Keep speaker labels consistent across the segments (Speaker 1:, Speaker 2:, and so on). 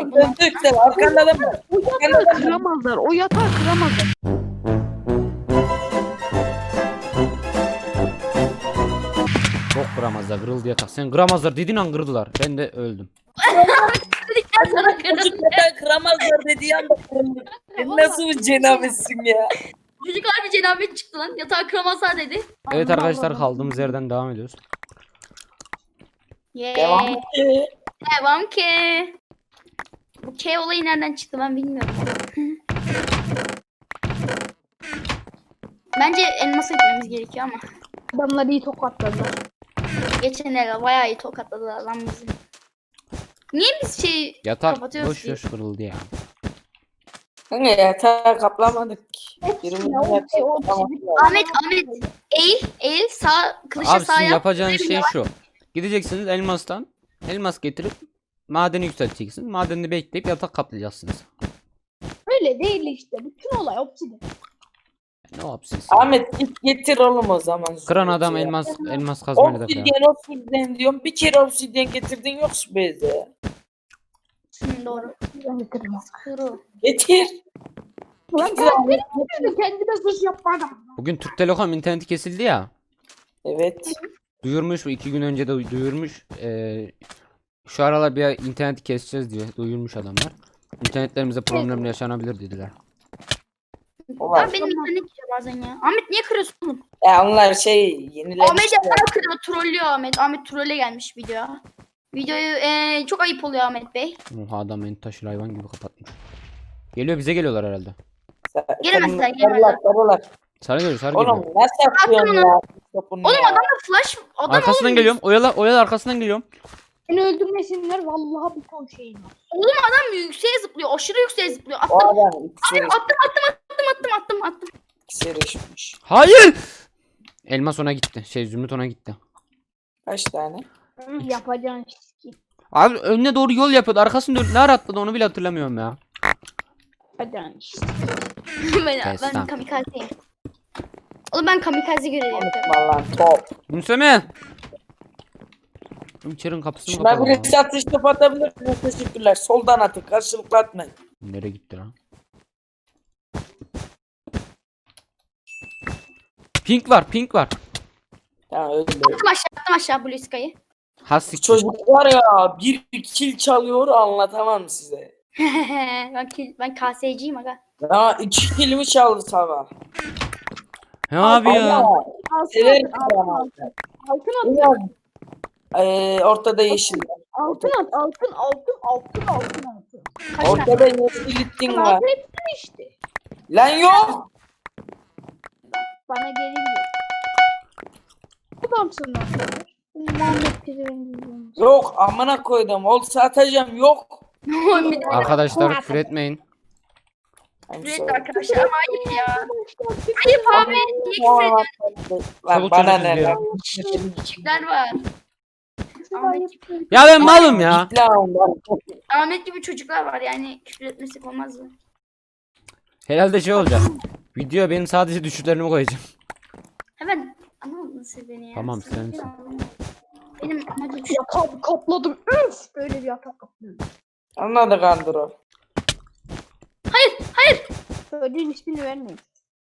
Speaker 1: girsek buna.
Speaker 2: Döndük arkanda da mı?
Speaker 3: O yatağı kıramazlar. O yatağı kıramazlar.
Speaker 4: Çok kıramazlar, kırıldı yatak. Sen kıramazlar dediğin an kırdılar. Ben de öldüm.
Speaker 1: Dedikten sonra kırıldı.
Speaker 2: Çocuk neden kıramazlar dediği anda kırıldı. Sen nasıl bir cenabetsin ya?
Speaker 1: Çocuk harbi cenabet çıktı lan. Yatağı kıramazlar dedi.
Speaker 4: Evet
Speaker 3: Allah
Speaker 4: arkadaşlar
Speaker 3: Allah.
Speaker 4: kaldığımız yerden devam ediyoruz.
Speaker 2: Devam
Speaker 1: Yeee.
Speaker 2: et.
Speaker 1: Devam ki. Bu K olayı nereden çıktı ben bilmiyorum. Bence elmasa gitmemiz gerekiyor ama.
Speaker 3: Adamlar iyi tokatladılar.
Speaker 1: Geçenlerde bayağı iyi tokatladılar lan bizi. Niye biz şey
Speaker 4: Yatak
Speaker 1: kapatıyoruz
Speaker 4: boş
Speaker 1: ki?
Speaker 4: boş kırıldı ya.
Speaker 2: Hani yatağı kaplamadık ki.
Speaker 3: Hepsini o çizip
Speaker 1: Ahmet eğil sağ kılıçla
Speaker 4: Abi
Speaker 1: sağ
Speaker 4: sizin
Speaker 1: yap.
Speaker 4: yapacağınız şey şu. Gideceksiniz elmastan. Elmas getirip madeni yükselteceksiniz. Madenini bekleyip yatak kaplayacaksınız.
Speaker 3: öyle değil işte. Bütün olay obsidi.
Speaker 4: Ne yapsınız?
Speaker 2: Ahmet git getir oğlum o zaman.
Speaker 4: Kıran adam
Speaker 2: Ya.
Speaker 4: elmas kazmayla da kırar.
Speaker 2: Obsidyen diyorum. Bir kere obsidyen getirdin yok şu beze.
Speaker 1: Doğru.
Speaker 3: Ben de kırmaz.
Speaker 1: Kuru.
Speaker 2: Getir.
Speaker 3: Ulan
Speaker 2: Getir
Speaker 3: ben
Speaker 2: Ahmet.
Speaker 3: kendime suç yapmadım.
Speaker 4: Bugün Türk Telekom interneti kesildi ya.
Speaker 2: Evet.
Speaker 4: Duyurmuş bu 2 gün önce de duyurmuş. Şu aralar bir interneti keseceğiz diye duyurmuş adamlar. İnternetlerimize problemler yaşanabilir dediler.
Speaker 2: Ulan.
Speaker 1: Abi benim internet gidiyor bazen ya. Ahmet niye kırıyorsun oğlum?
Speaker 2: Ya onlar şey
Speaker 1: Ahmet
Speaker 2: yenilemişler.
Speaker 1: yapar kırıyor. Trollüyor Ahmet. Ahmet trolle gelmiş videoya. Videoyu çok ayıp oluyor Ahmet Bey.
Speaker 4: Oha adam beni taşır hayvan gibi kapatmış. Geliyor bize geliyorlar herhalde.
Speaker 1: Gelemezler, gelemezler.
Speaker 2: Sarılar.
Speaker 4: Sarı geliyor sarı
Speaker 2: Oğlum
Speaker 4: geliyor.
Speaker 2: nasıl yapıyorsun ya? Topunu
Speaker 1: Oğlum
Speaker 2: ya.
Speaker 1: adamda flash. Adam
Speaker 4: Arkasından
Speaker 1: oğlum,
Speaker 4: geliyorum. Oyalı arkasından geliyorum.
Speaker 3: Beni öldürmesinler vallahi bir ton şeyim var.
Speaker 1: Oğlum adam yükseğe zıplıyor. Aşırı yükseğe zıplıyor.
Speaker 2: O
Speaker 1: Attım.
Speaker 2: adam iksir,
Speaker 1: Attım.
Speaker 2: iksir içmiş.
Speaker 4: Hayır. Elmas ona gitti. Zümrüt ona gitti.
Speaker 2: Kaç tane?
Speaker 3: Yapacağın şey.
Speaker 4: Abi önüne doğru yol yapıyordu. Arkasını dönüp ne ara atladı onu bile hatırlamıyorum ya.
Speaker 3: Yapacağın şey.
Speaker 1: ben
Speaker 4: Destan.
Speaker 1: kamikazeyim. Oğlum ben kamikaze görevi yapıyorum.
Speaker 2: Unutma lan top.
Speaker 4: Gülseme. İçerinin kapısını
Speaker 2: Şuna
Speaker 4: kapalı.
Speaker 2: birisi atış top atabilir mi? Teşekkürler. Soldan atın. Karşılıklı atmayın.
Speaker 4: Nereye gitti lan? Pink var.
Speaker 2: Ya öyle.
Speaker 1: Attım aşağı Blue Sky'ı.
Speaker 4: Hasik.
Speaker 2: Çocuk var ya bir kill çalıyor anlatamam size.
Speaker 1: ben KS'ciyim aga.
Speaker 2: Ya 2 killimi çaldı sabah.
Speaker 4: Ne abi ya?
Speaker 2: Ama severim
Speaker 3: Altın
Speaker 2: ya.
Speaker 3: Altın at.
Speaker 2: Biraz, ortada yeşil.
Speaker 3: Altın at. Altın.
Speaker 1: Kaç tane?
Speaker 2: Ortada yeşil ittin var.
Speaker 3: Altın hepsini işte.
Speaker 2: Lan yok.
Speaker 3: Bana gelin diyor. Adamsın lan. Muhammed Pirin'in.
Speaker 2: Yok amına koydum. Olsa atacağım yok.
Speaker 1: Bir de
Speaker 4: Arkadaşlar küfür etmeyin.
Speaker 1: evet arkadaşlar ama ayıp ya. Ayıp abi. Niye küfür ediyorsun?
Speaker 2: Lan
Speaker 4: Çabuk
Speaker 2: bana
Speaker 4: çabuk
Speaker 2: ne
Speaker 4: izliyorum.
Speaker 2: lan?
Speaker 1: Küçükler var. Ahmet,
Speaker 4: Ya ben malım ya.
Speaker 2: Git lan lan.
Speaker 1: Ahmet gibi çocuklar var yani küfür etmesek olmaz mı?
Speaker 4: Herhalde şey olacak. Videoya benim sadece düşüşlerimi koyacağım.
Speaker 1: Hemen anlamadın siz beni ya.
Speaker 4: Tamam,
Speaker 1: Siz
Speaker 4: sensin.
Speaker 1: beni anlamadın. Benim amacım şu.
Speaker 3: Yatak kapladım. Üf. Böyle bir yatak kapladım.
Speaker 2: Anladık Andro.
Speaker 3: Çocuğun ismini vermeyin.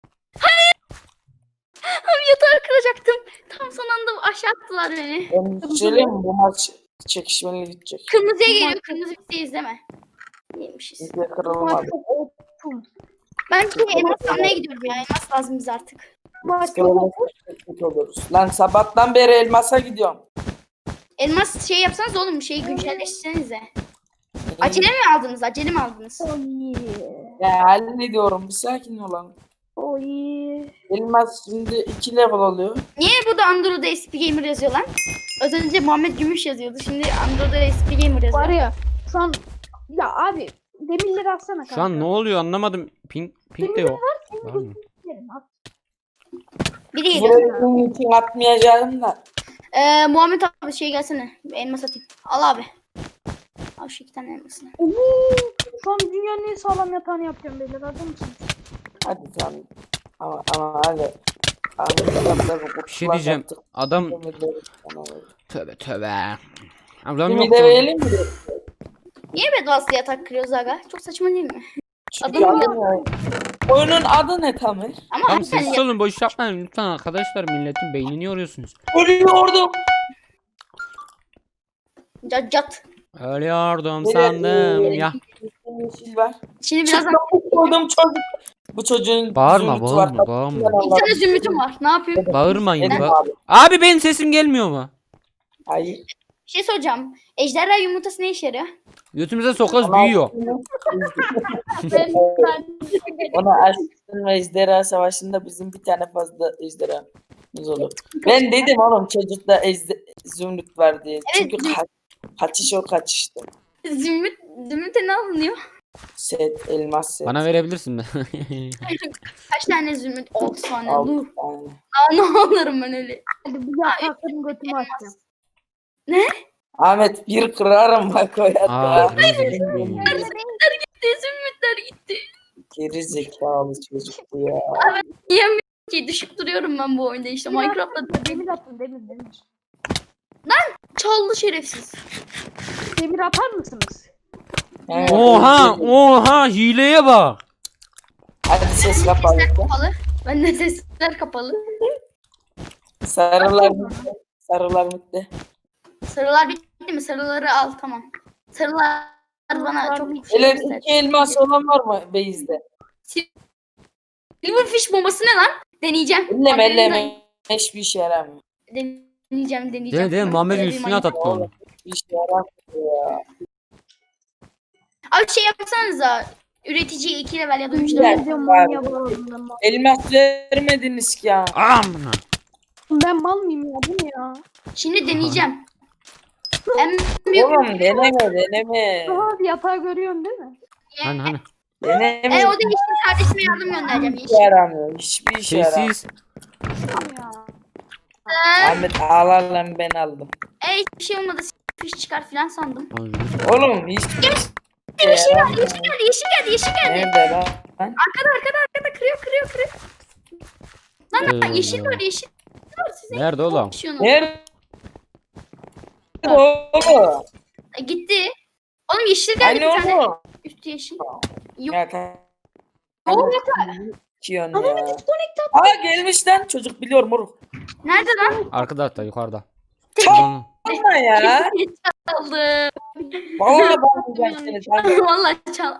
Speaker 1: Abi yatağı kıracaktım. Tam son anda aşağı attılar beni.
Speaker 2: Ben söyleyeyim mi? Bu maç çekişmeli gidecek.
Speaker 1: Kırmızıya geliyor. Kırmızı bizi izleme. Neymişiz.
Speaker 2: Bizde kırılmadı.
Speaker 3: Çok optum.
Speaker 1: Ben şimdi elmas almaya gidiyorum ya. Elmas lazım bize artık.
Speaker 3: Maç çok
Speaker 2: Kırılmaz kötü oluruz. Lan sabahtan beri elmasa gidiyorum.
Speaker 1: Elmas şey yapsanız oğlum şeyi güncelleştirsenize. Acele mi aldınız? Acele mi aldınız?
Speaker 3: Oy.
Speaker 2: Ya hallediyorum. Bir sakin olan.
Speaker 3: Oy.
Speaker 2: Elmas şimdi 2 level oluyor.
Speaker 1: Niye burada Android'da SP Gamer yazıyor lan? Az önce Muhammed Gümüş yazıyordu. Şimdi Android'da SP Gamer yazıyor.
Speaker 3: Var ya şu an ya abi demirleri atsana kanka.
Speaker 4: Şu an ne oluyor anlamadım. Pink de yok. Var mı?
Speaker 3: Demirleri at.
Speaker 1: Biri geliyor.
Speaker 2: Buraya bunun için atmayacağım da.
Speaker 1: Muhammed abi şey gelsene. Elmas atayım. Al abi. Al şu 2 tane elmasını.
Speaker 3: Oo, şu an dünyanın en sağlam yatağını yapacağım beyler. Hazır mısınız?
Speaker 2: Hadi tamam. Ama hadi.
Speaker 4: Bir şey diyeceğim. Adam tövbe. Adam
Speaker 2: Kimi
Speaker 4: yok.
Speaker 2: de verelim mi?
Speaker 1: Niye bedvaslı yatak kırıyoruz aga? Çok saçma değil mi?
Speaker 2: Çünkü oyunun adı ne Tamer?
Speaker 1: Ama
Speaker 4: Tamam
Speaker 1: harbiden
Speaker 4: sessiz olun, boş yapmayın lütfen arkadaşlar, milletin beynini yoruyorsunuz.
Speaker 2: Ölüyordum.
Speaker 1: cat.
Speaker 4: Ölüyordum sandım ya.
Speaker 2: Yeşil var.
Speaker 1: Şimdi birazdan
Speaker 2: Koydum çocuk. Bu çocuğun
Speaker 4: Bağırma,
Speaker 2: zümrütü
Speaker 4: bağırma,
Speaker 2: var.
Speaker 4: bağırma.
Speaker 1: bir tane zümrütüm var. Ne yapayım?
Speaker 4: Bağırmayın.
Speaker 2: Dedim
Speaker 4: Ba-
Speaker 2: abi.
Speaker 4: Abi benim sesim gelmiyor mu?
Speaker 2: Hayır.
Speaker 1: Bir şey soracağım. Ejderha yumurtası ne işe yarıyor?
Speaker 4: Götümüze sokarız büyüyor.
Speaker 2: Ona Aslan ve Ejderha Savaşı'nda bizim bir tane fazla ejderhamız olur. Ben dedim oğlum çocukta zümrüt var diye.
Speaker 1: Evet,
Speaker 2: Çünkü kaçış o kaçıştı.
Speaker 1: Zümrüte ne alınıyor?
Speaker 2: Set, elmas set.
Speaker 4: Bana verebilirsin mi?
Speaker 1: Kaç tane zümrüt? 6 tane.
Speaker 2: Altı
Speaker 1: Dur.
Speaker 2: tane.
Speaker 1: Aa, ne alırım ben öyle.
Speaker 3: Hadi bir yatakların götümü açacağım.
Speaker 2: Ahmet bir kırarım bak o
Speaker 4: Aa,
Speaker 2: yatta.
Speaker 1: Zümrütler gitti.
Speaker 2: Geri zekalı çocuk bu ya.
Speaker 1: Yiyemiyorum ki. Düşüp duruyorum ben bu oyunda işte. Minecraft'ta
Speaker 3: Demir atın demir.
Speaker 1: çaldı şerefsiz.
Speaker 3: Demir atar mısınız?
Speaker 2: Evet.
Speaker 4: Oha hileye bak.
Speaker 2: Hadi ses kapalı.
Speaker 1: Sesler kapalı. Bende sesler kapalı.
Speaker 2: Sarılar bitti. Sarılar bitti.
Speaker 1: Sarılar bitti mi? Sarıları al tamam. Sarılar bana çok şey
Speaker 2: Öyle
Speaker 1: göster.
Speaker 2: iki elmas olan var mı Beyz'de?
Speaker 1: Silverfish bombası ne lan? Deneyeceğim.
Speaker 2: Elleme
Speaker 1: Haberim
Speaker 2: elleme. Hiçbir işe yaramıyor.
Speaker 1: Deneyeceğim.
Speaker 4: Değil Muhammed
Speaker 1: Öyle bir
Speaker 4: üstüne
Speaker 1: manyak-
Speaker 4: attı onu.
Speaker 2: Bir işe yaramıyor ya.
Speaker 1: Abi şey yapsanıza. Üreticiyi 2 level ya da 3
Speaker 2: Güzel.
Speaker 1: level.
Speaker 3: Ben diyorum manyağı bağladım.
Speaker 2: Elmas vermediniz ki ya.
Speaker 4: Amına.
Speaker 3: Ben mal mıyım ya bu ne ya?
Speaker 1: Şimdi deneyeceğim. En büyük
Speaker 2: Oğlum deneme.
Speaker 3: Aha bir yatağı görüyorsun değil mi?
Speaker 4: Hani.
Speaker 2: Deneme.
Speaker 1: o da yeşil kardeşime yardım göndereceğim.
Speaker 2: Hiçbir
Speaker 1: Yeşil.
Speaker 2: işe yaramıyor. Hiçbir işe yaramıyor.
Speaker 4: Sessiz.
Speaker 3: Ya.
Speaker 2: Ahmet ağlar lan ben aldım.
Speaker 1: Hiçbir şey olmadı. Fiş çıkar filan sandım.
Speaker 2: Oğlum hiçbir şey
Speaker 1: Yeşil
Speaker 2: yaramıyor.
Speaker 1: geldi, yeşil geldi.
Speaker 2: Nerede lan?
Speaker 1: Arkada kırıyor. Lan yeşil var. Siz ne
Speaker 4: Nerede oğlum?
Speaker 1: yapıyorsunuz?
Speaker 2: Nerede? Oğlum.
Speaker 1: Gitti. Oğlum yeşil geldi
Speaker 2: Hani
Speaker 1: bir tane.
Speaker 2: oğlum?
Speaker 1: Üstü yeşil. Yok.
Speaker 2: Ya tamam.
Speaker 1: Oğlum
Speaker 2: Kiyon ya. Aa gelmiş lan. Çocuk biliyor moruk.
Speaker 1: nerede lan?
Speaker 4: Arkada hatta yukarıda.
Speaker 2: Çalma ya.
Speaker 1: Çaldı.
Speaker 2: Vallahi bağlayacağım seni. Tamam.
Speaker 1: Vallahi çal.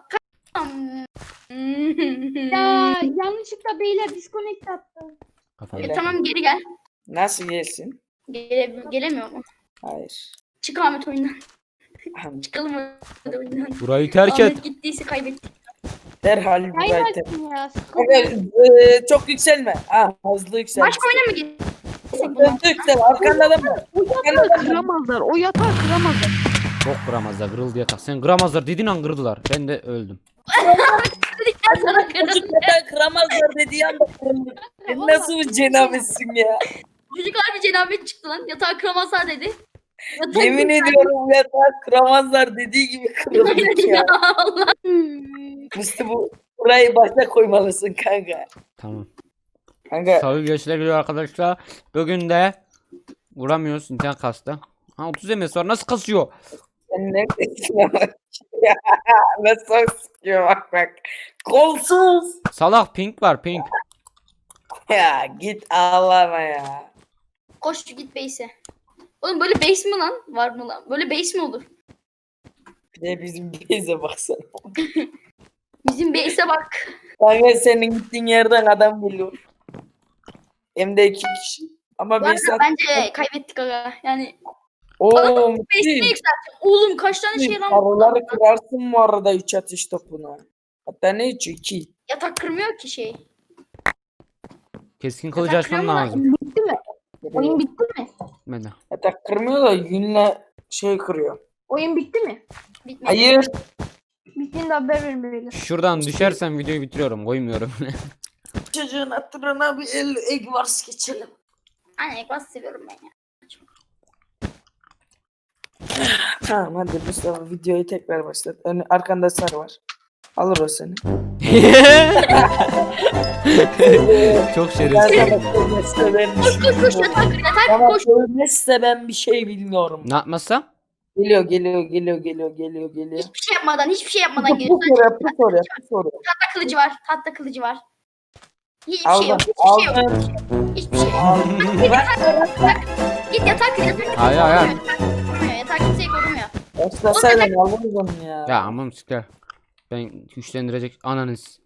Speaker 3: Ya yanlışlıkla beyler disconnect attı.
Speaker 4: Kafayı.
Speaker 1: Tamam geri gel.
Speaker 2: Nasıl gelsin?
Speaker 1: Gelemiyor mu?
Speaker 2: Hayır.
Speaker 1: Çık Ahmet oyundan. Çıkalım hadi oyundan.
Speaker 4: Burayı terk et.
Speaker 1: Ahmet gittiyse kaybettik.
Speaker 2: Derhal
Speaker 3: Yayın
Speaker 2: burayı
Speaker 3: açtım ya.
Speaker 2: Kanka, çok yükselme. Ha hızlı yüksel.
Speaker 1: Başka oyuna mı gitsek?
Speaker 2: Hızlı yüksel. Arkanda da mı?
Speaker 3: O yatağı kıramazlar. O yatağı kıramazlar.
Speaker 4: Çok kıramazlar, kırıldı yatak. Sen kıramazlar dedin an kırdılar. Ben de öldüm.
Speaker 1: Dedikten sonra kırıldı.
Speaker 2: Çocuk neden kıramazlar dediği anda kırıldı. Sen nasıl bir cenabetsin ya?
Speaker 1: Çocuk harbi cenabet çıktı lan. Yatağı kıramazlar dedi. Yatağı
Speaker 2: Yemin ediyorum yatağı kıramazlar dediği gibi kırıldık ya.
Speaker 1: Allah.
Speaker 2: Musti burayı başa koymalısın kanka.
Speaker 4: Tamam.
Speaker 2: Kanka
Speaker 4: Salı görüşler geliyor arkadaşlar. Bugün de vuramıyoruz, internet kastı. Ha 30 MS var, nasıl kasıyor?
Speaker 2: sen neredesin bak. Ya, nasıl sıkıyor bak. Kolsuz.
Speaker 4: Salak pink var, pink.
Speaker 2: Ya git ağlama ya.
Speaker 1: Koş git base'e. Oğlum böyle base mi lan? Var mı lan? Böyle base mi olur?
Speaker 2: Bir de bizim bize baksana.
Speaker 1: Bizim base'e bak.
Speaker 2: Kanka senin gittiğin yerden adam geliyor. Hem de 2 kişi. Ama
Speaker 1: Bu
Speaker 2: ben
Speaker 1: arada bence kaybettik aga. Yani
Speaker 2: ooo
Speaker 1: base'ini yükselteceğim. Oğlum kaç tane şey lan?
Speaker 2: Sarıları kırarsın bu arada 3 atış topuna. Hatta ne 3 2.
Speaker 1: Yatak kırmıyor ki şey.
Speaker 4: Keskin kılıcı
Speaker 1: Yatak
Speaker 4: açmam
Speaker 1: kırıyor mu?
Speaker 4: lazım.
Speaker 3: Bitti mi? Oyun bitti mi?
Speaker 4: Ben de.
Speaker 2: Yatak kırmıyor da yünle şey kırıyor.
Speaker 3: Oyun bitti mi?
Speaker 1: Bitmedi.
Speaker 2: Hayır.
Speaker 3: Bittiğinde haber verin beyler.
Speaker 4: Şuradan düşersem videoyu bitiriyorum, koymuyorum.
Speaker 2: Çocuğun hatırına bir egg vars geçelim.
Speaker 1: Anne ekvaz seviyorum ben ya.
Speaker 2: Tamam hadi Mustafa videoyu tekrar başlat. Arkanda sarı var. Alır o seni.
Speaker 4: Çok
Speaker 2: Ben
Speaker 4: şerefsiz.
Speaker 2: sana söylemezse ben bir şey
Speaker 1: Koş
Speaker 2: bilmiyorum.
Speaker 1: yatak kır yatak
Speaker 2: Bana
Speaker 1: koş.
Speaker 2: söylemezse ben bir şey bilmiyorum.
Speaker 4: Ne yapmazsa?
Speaker 2: Geliyor.
Speaker 1: Hiçbir şey yapmadan geliyor.
Speaker 2: Pus oraya.
Speaker 1: Tahta kılıcı var. Hiçbir şey
Speaker 2: Aldım.
Speaker 1: yok. Hiçbir şey yok.
Speaker 2: Aldım.
Speaker 1: Git yatak.
Speaker 4: Hayır.
Speaker 1: Yatak kimseyi korumuyor.
Speaker 2: Başlasaydın alırız onu ya.
Speaker 4: Ya aman siktir. Ben güçlendirecek ananız.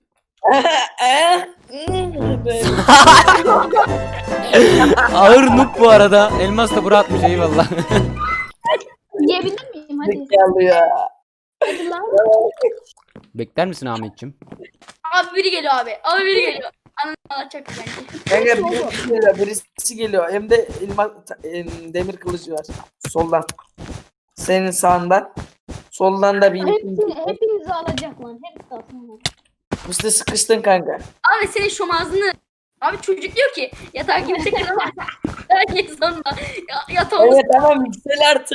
Speaker 4: Ağır noob bu arada. Elmas da bırakmış eyvallah.
Speaker 3: Yiyebilir miyim? Hadi.
Speaker 2: Zekalı ya.
Speaker 3: Hadi lan.
Speaker 4: Bekler misin Ahmetciğim?
Speaker 1: Abi biri geliyor. Ananı alacak bence.
Speaker 2: Kanka birisi geliyor. Hem de demir kılıcı var. Soldan. Senin sağından. Soldan da bir
Speaker 3: Hepinizi alacak lan. Hepsi alsın.
Speaker 2: Musti sıkıştın kanka.
Speaker 1: Abi senin şomazını. Abi çocuk diyor ki yatağı kimse kıramaz. Herkes sonunda. Yatağımız.
Speaker 2: Evet tamam yüksel artık.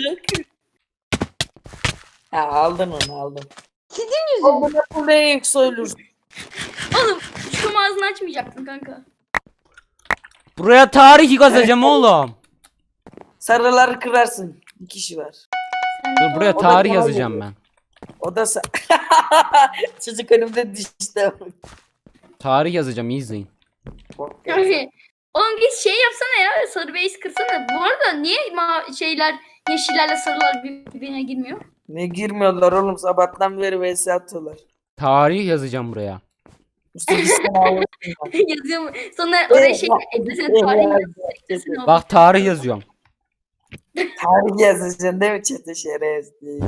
Speaker 2: Ha aldın onu.
Speaker 3: Sizin yüzünüz.
Speaker 2: Bu ne yükselirsin?
Speaker 1: Oğlum şomazını açmayacaktın kanka.
Speaker 4: Buraya tarih yazacağım oğlum.
Speaker 2: Sarıları kırarsın. Bir kişi var.
Speaker 4: Dur buraya
Speaker 2: O da
Speaker 4: tarih
Speaker 2: daha
Speaker 4: yazacağım
Speaker 2: geliyor.
Speaker 4: ben.
Speaker 2: O da çocuk önümde dişte.
Speaker 4: Tarih yazacağım iyi izleyin.
Speaker 1: Yani, oğlum git şey yapsana ya. Sarı base kırsana. Bu arada niye yeşillerle sarılar birbirine girmiyor?
Speaker 2: Ne girmiyorlar oğlum sabahtan beri vs atıyorlar.
Speaker 4: Tarih yazacağım buraya.
Speaker 2: Musti gitsene alırsın.
Speaker 1: Yazıyor mu? Sonra oraya şey eklesene tarihi.
Speaker 4: Bak tarih yazıyorum.
Speaker 2: Tarih yazacaksın değil mi çete şerez değil.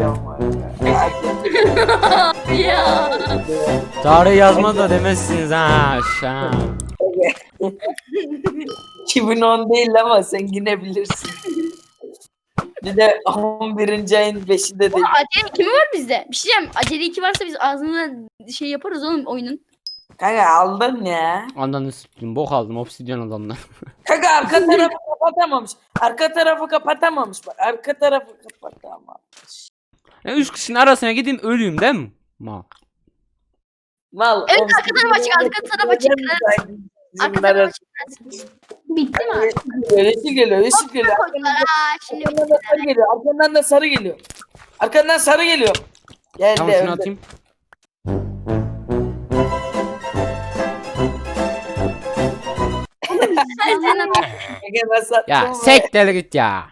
Speaker 1: Ya.
Speaker 4: Tarih yazma da demezsiniz ha. Aşağı.
Speaker 2: 2010 değil ama sen yine bilirsin. Bir de 11. ayın 5'inde değil.
Speaker 1: Oğlum acele 2 mi var bizde? Bir şey diyeceğim. Acele 2 varsa biz ağzına şey yaparız oğlum oyunun.
Speaker 2: Kanka aldın ya.
Speaker 4: Ananı s**tim bok aldım obsidyen adamlar.
Speaker 2: Kanka arka tarafı kapatamamış. Arka tarafı kapatamamış bak. Arka tarafı kapatamamış.
Speaker 4: 3 kişinin arasına gideyim ölüyüm değil mi? Ma.
Speaker 2: Mal.
Speaker 1: Evet,
Speaker 2: oğlum,
Speaker 1: arka taraf açık, arka taraf açık. Arka
Speaker 2: Bunlar
Speaker 1: tarafa
Speaker 3: Bitti mi artık?
Speaker 2: yeşil geliyor.
Speaker 1: koydular. Şimdi
Speaker 2: Arkandan da sarı geliyor. Arkandan da sarı geliyor. Arkandan sarı geliyor. Geldi.
Speaker 4: Tamam şunu
Speaker 2: önde.
Speaker 4: atayım.
Speaker 1: sen
Speaker 2: Kanka nasıl
Speaker 4: Ya
Speaker 2: attın be?
Speaker 4: sektir git ya.